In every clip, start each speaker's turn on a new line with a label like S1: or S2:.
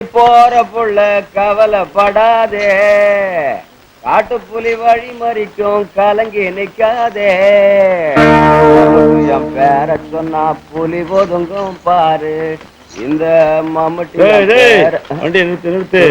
S1: போற புள்ள கவலைப்படாதே, காட்டுப்புலி வழி மறிக்கும் கலங்கி நிக்காதே. என் பேர சொன்னா புலி ஒதுங்கும் பாரு. இந்த மம்முட்டி
S2: வண்டி நிறுத்து நிறுத்து.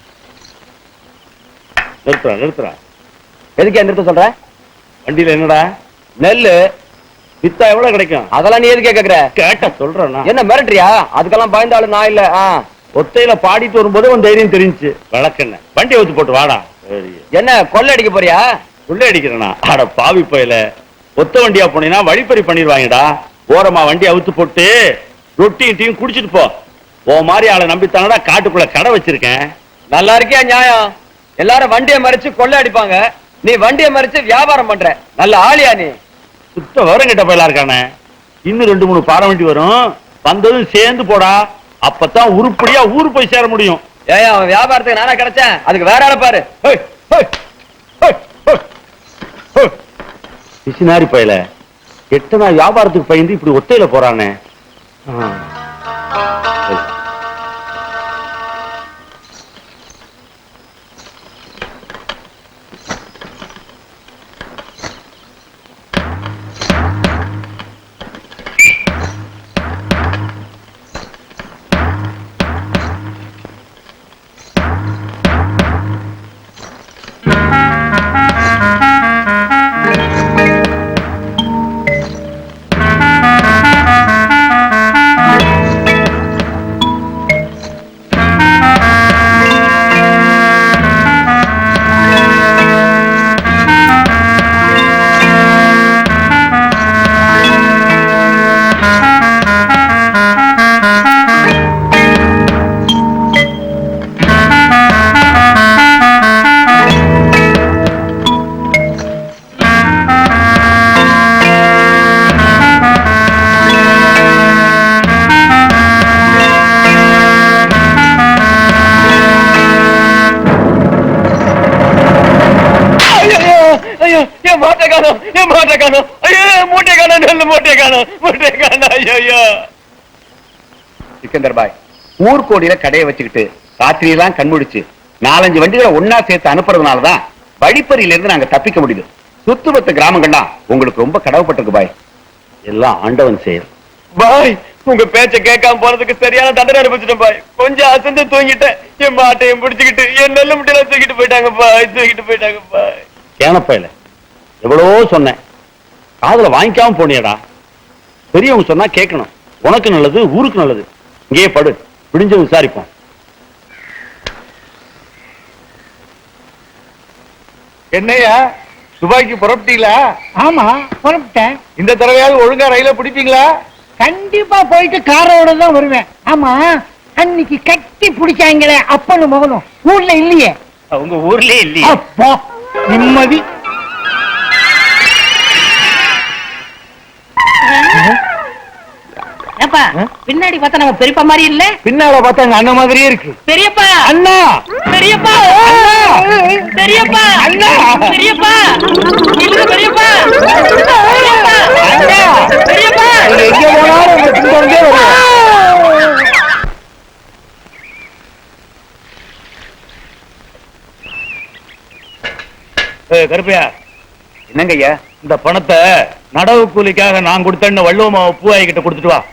S2: நிறுத்துறா.
S1: எதுக்கு நிறுத்த சொல்ற?
S2: வண்டியில என்னடா?
S1: நெல்லு.
S2: வித்தா எவ்வளவு கிடைக்கும்?
S1: அதெல்லாம் நீ எதுக்கே கேக்குற?
S2: கேட்ட சொல்றேன்.
S1: என்ன மிரட்டுறியா? அதுக்கெல்லாம் பயந்தாலும் நான் இல்ல.
S2: ஒத்தையில பாடிட்டு வரும்போது உன் தைரியம் தெரிஞ்சு வழக்கண்ண வண்டி ஊத்து போட்டு வாடா.
S1: என்ன கொள்ளை அடிக்க போறியா?
S2: கொள்ளை அடிக்கிறேனா? அட பாவி போயில, ஒத்த வண்டியா போனீங்கன்னா வழிப்பறி பண்ணிடுவாங்கடா. ஓரமா வண்டி அவுத்து போட்டு ரொட்டியும் டீயும் குடிச்சிட்டு போ. ஓ மாதிரி ஆளை நம்பித்தானடா காட்டுக்குள்ள கடை வச்சிருக்கேன்.
S1: நல்லா இருக்கியா நியாயம்? எல்லாரும் வண்டியை மறிச்சு கொள்ளை அடிப்பாங்க, நீ வண்டியை மறிச்சு வியாபாரம் பண்ற. நல்ல ஆளியா நீ?
S2: சுத்த விவரம் கிட்ட போயலா இருக்கானே. இன்னும் 2-3 பாறை வண்டி வரும், வந்ததும் சேர்ந்து போடா. அப்பதான் உருப்படியா ஊரு போய் சேர முடியும்.
S1: ஏன் அவன் வியாபாரத்துக்கு நானே கிடைச்சேன், அதுக்கு வேற ஆளை பாரு.
S2: பிசினாரி பயல, எத்தனை வியாபாரத்துக்கு பயந்து இப்படி ஒத்தையில போறானே.
S3: சிக்கந்தர் பாய் ஊர்கோடியில கடையை வச்சுக்கிட்டு ராத்திரியெல்லாம் கண்முடிச்சு 4-5 வண்டிகளை ஒன்னா சேர்த்து அனுப்புறதுனாலதான் வழிப்பறியில இருந்து நாங்க தப்பிக்க முடியுது. சுத்துபத்து கிராமங்கள்லாம் உங்களுக்கு ரொம்ப கடவுப்பட்டிருக்கு பாய்.
S2: எல்லாம் ஆண்டவன் செயல்
S1: பாய். உங்க பேச்ச கேட்காம போறதுக்கு சரியான தண்டனை அனுப்பிச்சிட்டேன் பாய். கொஞ்சம் அசந்து தூங்கிட்டேன், என் மாட்டையும் பிடிச்சுக்கிட்டு என் நெல்ல முட்டையில தூக்கிட்டு போயிட்டாங்க பாய்.
S2: கேனப்பையில எவ்வளவோ சொன்னேன், காதுல வாங்கிக்காம போனியடா. பெரியவங்க சொன்னா கேட்கணும். உனக்கு நல்லது, ஊருக்கு நல்லது. இங்கேயே படு, பிடிஞ்ச விசாரிப்போம்.
S3: என்னையா துபாய்க்கு புறப்பட்டீங்களா?
S4: ஆமா புறப்பட்டேன்.
S3: இந்த தடவையாவது ஒழுங்கா ரயில பிடிப்பீங்களா?
S4: கண்டிப்பா போயிட்டு காரோட தான் வருவேன். ஆமா, அன்னைக்கு கட்டி பிடிச்சாங்களே அப்பனு மகனும் ஊர்ல இல்லையே?
S3: உங்க ஊர்லயே இல்லையே?
S4: அப்பா நிம்மதி.
S5: பின்னாடி பார்த்தா நம்ம பெரியப்பா மாதிரி இல்ல,
S3: பின்னால பார்த்தா எங்க அண்ணன் மாதிரியே இருக்கு.
S5: பெரியப்பா
S3: அண்ணா,
S5: பெரியப்பா பெரியப்பா அண்ணா, பெரியப்பா இல்ல பெரியப்பா அண்ணா, பெரியப்பா
S3: எங்க போனாலும் உங்க பின்னாடியே வருவோம்.
S2: கருப்பையா,
S3: என்னங்க ஐயா?
S2: இந்த பணத்தை நடவு கூலிக்காக நான் கொடுத்தேன்னு வள்ளுவமாவை பூவாய் கிட்ட கொடுத்துட்டு வா.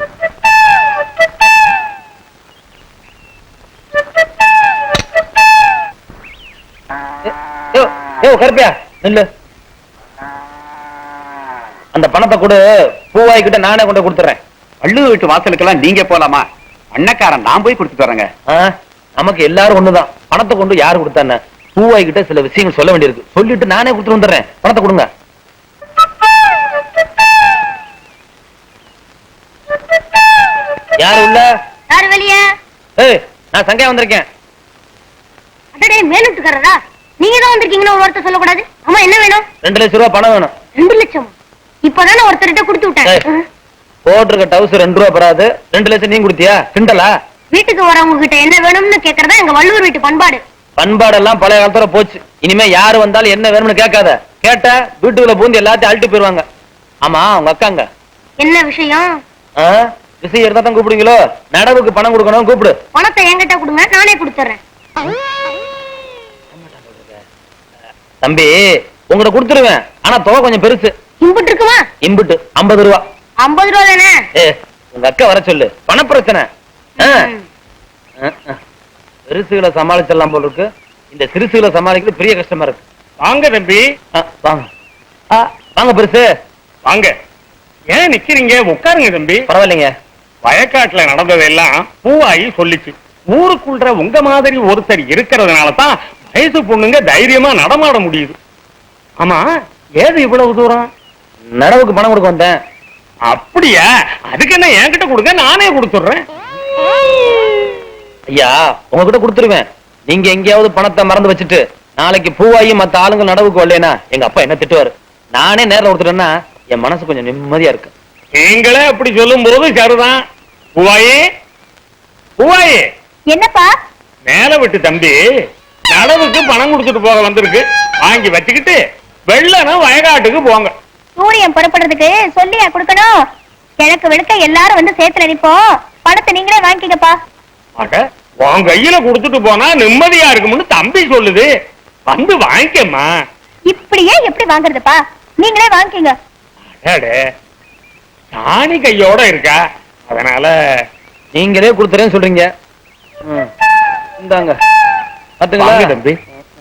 S1: கருப்பியா இல்ல, அந்த பணத்தை கொடு, பூவாய் கிட்ட நானே கொண்டு கொடுத்துறேன்.
S3: வள்ளுவ வீட்டு வாசலுக்கெல்லாம் நீங்க போலாமா? அண்ணக்காரன் நான் போய் கொடுத்துட்டு வரேங்க.
S1: நமக்கு எல்லாரும் ஒண்ணுதான். பணத்தை கொண்டு யாரு கொடுத்தானே? பூவாய் கிட்ட சில விஷயங்கள் சொல்ல வேண்டியிருக்கு, சொல்லிட்டு நானே கொடுத்துட்டு வந்துடுறேன். பணத்தை கொடுங்க. யாரு உள்ள?
S5: யாரு வெளியே?
S1: நான் சங்கையா வந்திருக்கேன்.
S5: அடடே, மேலுட்டுக்காரரா? நீங்க தான் வந்திருக்கீங்கன்னு ஒரு வார்த்தை சொல்லக்கூடாது. அம்மா என்ன வேணும்?
S1: 2 லட்சம் ரூபாய் பணம் வேணும்.
S5: 2 லட்சம்? இப்பதானே ஒருத்தர்கிட்ட கொடுத்து விட்டேன்.
S1: போட்டிருக்க டவுஸ் 2 ரூபாய் பெறாது. 2 லட்சம் நீங்க கொடுத்தியா? கிண்டலா?
S5: வீட்டுக்கு வரவங்க கிட்ட என்ன வேணும்னு கேக்குறதா எங்க வள்ளுவர் வீட்டு பண்பாடு.
S1: பண்பாடெல்லாம் பழைய காலத்துல போச்சு. இனிமே யாரு வந்தாலும் என்ன வேணும்னு கேட்காத. கேட்ட வீட்டுக்குள்ள பூந்து எல்லாத்தையும் அழுட்டு போயிருவாங்க. ஆமா, உங்க அக்காங்க
S5: என்ன விஷயம்?
S1: விசை இருந்தா தான் கூப்பிடுவீங்களோ? நடவுக்கு பணம் கொடுக்கணும், கூப்பிடு.
S5: பணத்தை என்கிட்ட கொடுங்க, நானே கொடுத்துறேன்.
S1: தம்பி உங்கள்ட்ட கொடுத்துருவேன், ஆனா தொகை கொஞ்சம் பெருசு.
S5: இம்புட்டு இருக்குமா?
S1: இம்புட்டு 50 ரூபா.
S5: 50 ரூபா தானே?
S1: உங்க அக்கா வர சொல்லு, பண பிரச்சனை. பெருசுகளை சமாளிச்சிடலாம் போல இருக்கு, இந்த சிறுசுகளை சமாளிக்கிறது பெரிய கஷ்டமா இருக்கு.
S2: வாங்க தம்பி.
S1: வாங்க வாங்க பெருசு
S2: வாங்க. ஏன் நிக்கிறீங்க? உட்காருங்க தம்பி.
S1: பரவாயில்லைங்க.
S2: வயக்காட்டுல நடந்ததெல்லாம் பூவாயி சொல்லிச்சு. ஊருக்குள்ள உங்க மாதிரி ஒருத்தர் இருக்கிறதுனால தான் வயசு பொண்ணுங்க தைரியமா நடமாட முடியுது. ஆமா, ஏது இவ்வளவு தூரம்?
S1: நடவுக்கு பணம் கொடுக்க வந்தேன்.
S2: அப்படியா? அதுக்கு என்ன என்கிட்ட கொடுங்க, நானே கொடுத்துடுறேன்.
S1: ஐயா உங்ககிட்ட கொடுத்துருவேன். நீங்க எங்கேயாவது பணத்தை மறந்து வச்சுட்டு நாளைக்கு பூவாயி மத்த ஆளுங்க நடவுக்கு வரலனா எங்க அப்பா என்ன திட்டுவாரு. நானே நேரில் கொடுத்துட்டேன்னா என் மனசு கொஞ்சம் நிம்மதியா இருக்கு.
S2: நீங்களே அப்படி சொல்லும் போது சரிதான். பூவாயி, பூவாயி.
S5: என்னப்பா?
S2: மேல விட்டு தம்பி நடவுக்கு பணம் கொடுத்துட்டு போக வந்திருக்கு, வாங்கி வச்சுக்கிட்டு வெள்ளனா வயக்காட்டுக்கு போங்க.
S5: சூரியன் புறப்படுறதுக்கு சொல்லியா கொடுக்கணும்? கிழக்கு வெளுக்க எல்லாரும் வந்து சேத்துல நிப்போம், பணத்தை நீங்களே வாங்கிக்கப்பா.
S2: அட, உன் கையில கொடுத்துட்டு போனா நிம்மதியா இருக்கும்னு தம்பி சொல்லுது, வந்து வாங்கிக்கம்மா.
S5: இப்படியே எப்படி வாங்குறதுப்பா? நீங்களே வாங்கிக்கங்க.
S2: அடே, தானி கையோட இருக்கா, அதனால
S1: நீங்களே கொடுத்துறேன்னு சொல்றீங்க. இந்தாங்க பாத்துங்களா
S2: தம்பி.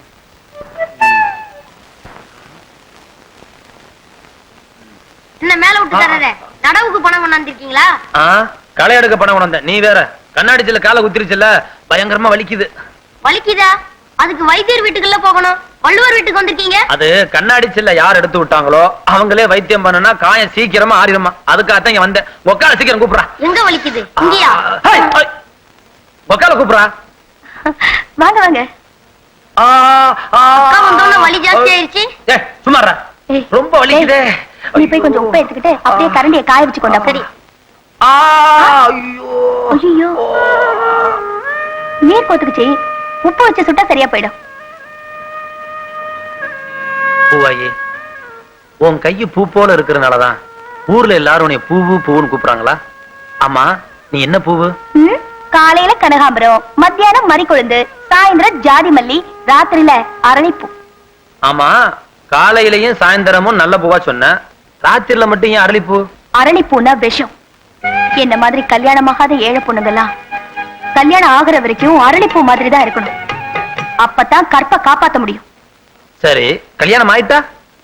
S5: என்ன மேல விட்டு தர்றதே? நடவுக்கு பணம் கொண்டாந்துருக்கீங்களா?
S1: களை எடுக்க பணம் கொண்டு வந்தேன். நீ வேற கண்ணாடிச்சில காலை குத்திருச்சுல, பயங்கரமா வலிக்குது.
S5: வலிக்குதா? அதுக்கு வைத்தியர் வீட்டுக்குள்ள போகணும், வள்ளுவர் வீட்டுக்கு வந்திருக்கீங்க.
S1: அது கண்ணாடிச்சில யார் எடுத்து விட்டாங்களோ அவங்களே வைத்தியம் பண்ணனா காயம் சீக்கிரமா ஆறிடுமா, அதுக்காக இங்க வந்தேன். ஒக்கால சீக்கிரம் கூப்பிடுறா.
S5: எங்க வலிக்குது? இங்கயா?
S1: ஒக்கால கூப்பிடுறா.
S5: வாங்க வாங்க. அக்கா வந்தோன்னு வலி ஜாஸ்தி ஆயிருச்சு.
S1: சும்மாறா, ரொம்ப வலிக்குதே.
S5: நீ போய் கொஞ்சம் உப்பு எடுத்துக்கிட்டு அப்படியே கரண்டியை காய வச்சு கொண்டா. சரி. ஐயோ, நீர் கோத்துக்குச்சு, உப்பு வச்சு சுட்டா சரியா போயிடும்.
S1: பூவாயி, உன் கையு பூ போல இருக்கிறதுனாலதான் ஊர்ல எல்லாரும் உன்னை பூவு பூவுன்னு கூப்பிடுறாங்களா? ஆமா, நீ என்ன பூவு?
S5: காலையில கனகாம்பரம், மத்தியானம் மறிக்கொழுந்து, சாயந்தரம் ஜாதி மல்லி, ராத்திரியில அரளிப்பூ.
S1: ஆமா, காலையிலயும் சாயந்தரமும் நல்ல பூவா சொன்ன, ராத்திரில மட்டும் ஏன் அரளிப்பூ?
S5: அரளிப்பூனா விஷம். என்ன மாதிரி கல்யாணமாகாத ஏழை பொண்ணுங்கெல்லாம் கல்யாணம் ஆகுற வரைக்கும் அரளிப்பூ மாதிரி தான் இருக்கணும், அப்பதான் கற்பை காப்பாத்த முடியும்.
S1: சரி, கல்யாணம் ஆயிட்டா?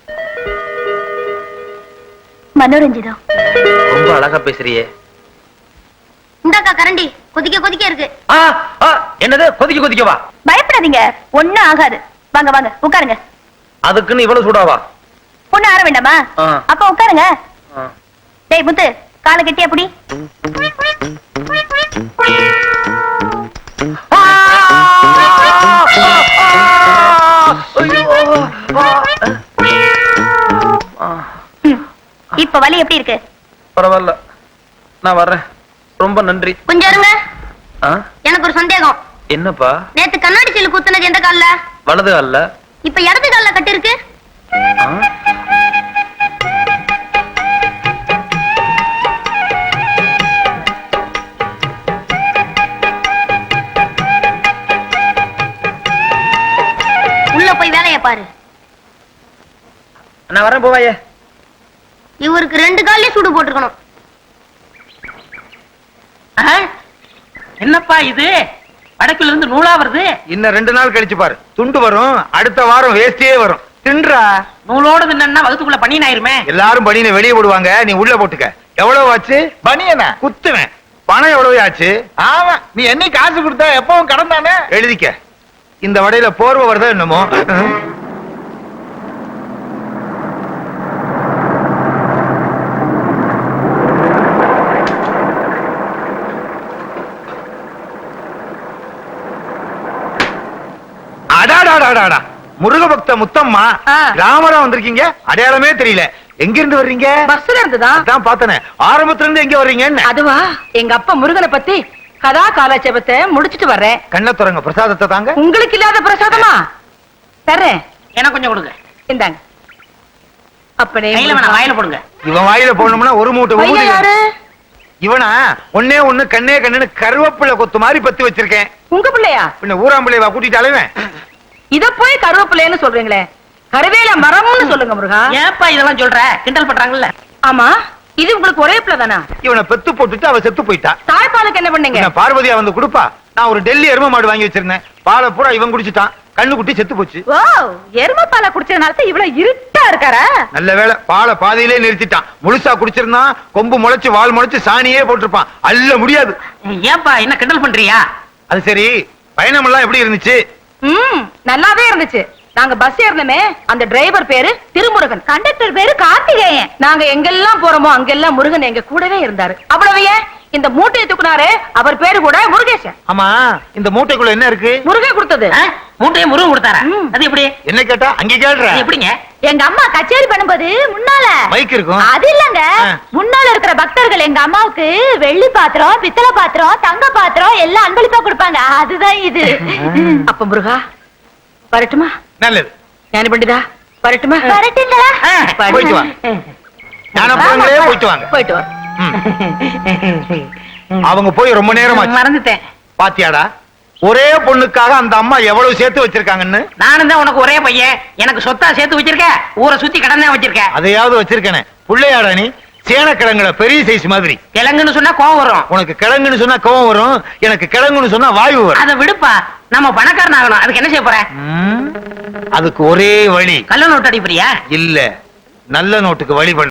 S5: மனோரஞ்சிதம்.
S1: ரொம்ப அழகா பேசுறியே.
S5: இந்தாக்கா கரண்டி, கொதிக்க கொதிக்க இருக்கு.
S1: என்னது கொதிக்க கொதிக்கவா?
S5: பயப்படாதீங்க, ஒண்ணும் ஆகாது. வாங்க வாங்க உட்காருங்க.
S1: அதுக்குன்னு இவ்வளவு சூடாவா?
S5: பொண்ணு ஆற வேண்டாமா? அப்ப உட்காருங்க. டேய் முத்து, காலை கட்டி அப்படி. இப்ப வலி எப்படி இருக்கு?
S1: பரவாயில்ல, நான் வர்றேன். ரொம்ப நன்றி.
S5: கொஞ்சம் இருங்க, எனக்கு ஒரு சந்தேகம்.
S1: என்னப்பா?
S5: நேத்து கண்ணாடி சில்லு குத்துனது எந்த கால்ல?
S1: வலது கால்ல.
S5: இப்ப இடது கால்ல கட்டி இருக்கு. உள்ள போய் வேலைய பாரு.
S1: நான் வரேன் போவாயே.
S5: இவருக்கு 2 கால்லயும் சூடு போட்டுக்கணும்.
S6: என்னப்பா இது? வடக்குல இருந்து நூலா வருது.
S3: இன்னும் 2 நாள் கழிச்சு பாரு, துண்டு வரும். அடுத்த வாரம் வேஸ்டியே வரும். தின்றா.
S6: நூலோடு தின்னா வகுத்துக்குள்ள பனியன் ஆயிருமே.
S3: எல்லாரும் பனியனை வெளியே போடுவாங்க, நீ உள்ள போட்டுக்க. எவ்வளவு ஆச்சு? பனியனா குத்துவேன். பணம் எவ்வளவு ஆச்சு? ஆமா, நீ என்ன காசு கொடுத்தா எப்பவும் கடன் தானே. எழுதிக்க. இந்த வடையில போர்வை வருதா என்னமோ. அடாடாடாடா, முருக பக்த முத்தம்மா, ராமரா வந்திருக்கீங்க. அடையாளமே தெரியல. எங்க இருந்து வர்றீங்க?
S6: பஸ்ல இருந்துதா?
S3: அதான் பார்த்தனே. ஆரம்பத்துல இருந்து எங்க வர்றீங்கன்னு.
S6: அதுவா, எங்க அப்பா முருகனை பத்தி கதா காலாட்சேபத்தை முடிச்சிட்டு வர்றேன்.
S3: கண்ணை திறங்க, பிரசாதத்தை தாங்க.
S6: உங்களுக்கு இல்லாத பிரசாதமா? தர்றேன், எனக்கு கொஞ்சம் கொடுங்க. இந்தாங்க. அப்பனே கையில வேணாம், வாயில போடுங்க.
S3: இவன் வாயில போடணும்னா ஒரு மூட்டை ஊதி.
S6: யாரு?
S7: இவனா ஒன்னே ஒண்ணு கண்ணே கண்ணுன்னு கருவேப்பிலை கொத்து மாதிரி பத்தி வச்சிருக்கேன்.
S6: உங்க பிள்ளையா?
S7: பின்ன ஊராம்பிள்ளைவா கூட்டிட்டு அலைவேன்.
S6: இத போய் கருவேப்பிள்ளைன்னு சொல்றீங்களே, கருவேல மரம்னு சொல்லுங்க முருகா.
S8: ஏப்பா இதெல்லாம் சொல்ற? கிண்டல் பண்றாங்கல்ல.
S6: ஆமா, இது உங்களுக்கு ஒரே பிள்ளை தானா?
S7: இவனை பெத்து போட்டுட்டு அவ செத்து போயிட்டா.
S6: தாய்ப்பாலுக்கு என்ன பண்ணீங்க?
S7: பின்ன பார்வதியா வந்து கொடுப்பா. நான் ஒரு டெல்லி எரும மாடு வாங்கி வச்சிருந்தேன். பாலை பூரா இவன் குடிச்சிட்டான். கண்ணு குட்டி செத்து போச்சு.
S6: ஓ, எருமை பாலை குடிச்சதுனால தான் இவ்வளவு இருட்டா இருக்காரா?
S7: நல்ல வேளை பாலை பாதியிலே நிறுத்திட்டான். முழுசா குடிச்சிருந்தான் கொம்பு முளைச்சு வால் முளைச்சு சாணியே போட்டிருப்பான். அள்ள முடியாது.
S8: ஏப்பா என்ன கிண்டல் பண்றியா?
S7: அது சரி, பயணம் எல்லாம் எப்படி இருந்துச்சு?
S6: நல்லாவே இருந்துச்சு. நாங்க பஸ் ஏறணுமே, அந்த டிரைவர் பேரு திருமுருகன், கண்டக்டர் பேரு கார்த்திகேயன். நாங்க எங்கெல்லாம் போறோமோ அங்கெல்லாம் முருகன் எங்க கூடவே இருந்தாரு. அவ்வளவு ஏன், இந்த மூட்டையை தூக்குனாரு அவர் பேரு கூட முருகேசன்.
S7: ஆமா, இந்த மூட்டைக்குள்ள என்ன இருக்கு?
S6: முருகன் கொடுத்தது.
S8: மூட்டையை முருகன் கொடுத்தாரா? அது எப்படி?
S7: என்ன கேட்டா அங்க கேள்ற?
S8: எப்படிங்க?
S5: எங்க அம்மா கச்சேரி பண்ணும்போது முன்னால
S7: மைக் இருக்கும்.
S5: அது இல்லங்க, முன்னால இருக்கிற பக்தர்கள் எங்க அம்மாவுக்கு வெள்ளி பாத்திரம், பித்தளை பாத்திரம், தங்க பாத்திரம் எல்லாம் அன்பளிப்பா கொடுப்பாங்க. அதுதான் இது.
S6: அப்ப முருகா வரட்டுமா?
S7: நல்லது.
S6: ஞான பண்டிதா வரட்டுமா?
S5: வரட்டுங்களா?
S7: போயிட்டு வா. ஞானபுரங்களே போயிட்டு வாங்க.
S6: போயிட்டு வா.
S7: அவங்க போய் ரொம்ப நேரம் ஆச்சு.
S8: மறந்துட்டேன்.
S7: பாத்தியாடா, ஒரே பொண்ணுக்காக அந்த அம்மா எவ்வளவு சேர்த்து வச்சிருக்காங்கன்னு.
S8: நானும் தான் உனக்கு ஒரே பையன், எனக்கு சொத்தா சேர்த்து வச்சிருக்க, ஊரை சுத்தி கடன் தான் வச்சிருக்க.
S7: அதையாவது வச்சிருக்கேனே. புள்ளையாடா நீ? சேனக்கிழங்குல பெரிய சைஸ் மாதிரி.
S8: கிழங்குன்னு சொன்னா கோவம் வரும்.
S7: உனக்கு கிழங்குன்னு சொன்னா கோவம் வரும், எனக்கு கிழங்குன்னு சொன்னா வாயு வரும்.
S8: அதை விடுப்பா, நம்ம பணக்காரன் ஆகணும். அதுக்கு என்ன செய்ய போற?
S7: அதுக்கு ஒரே வழி.
S8: கள்ள நோட்டு அடிப்பறியா?
S7: இல்ல, நல்ல நோட்டுக்கு வழி பண்ணு.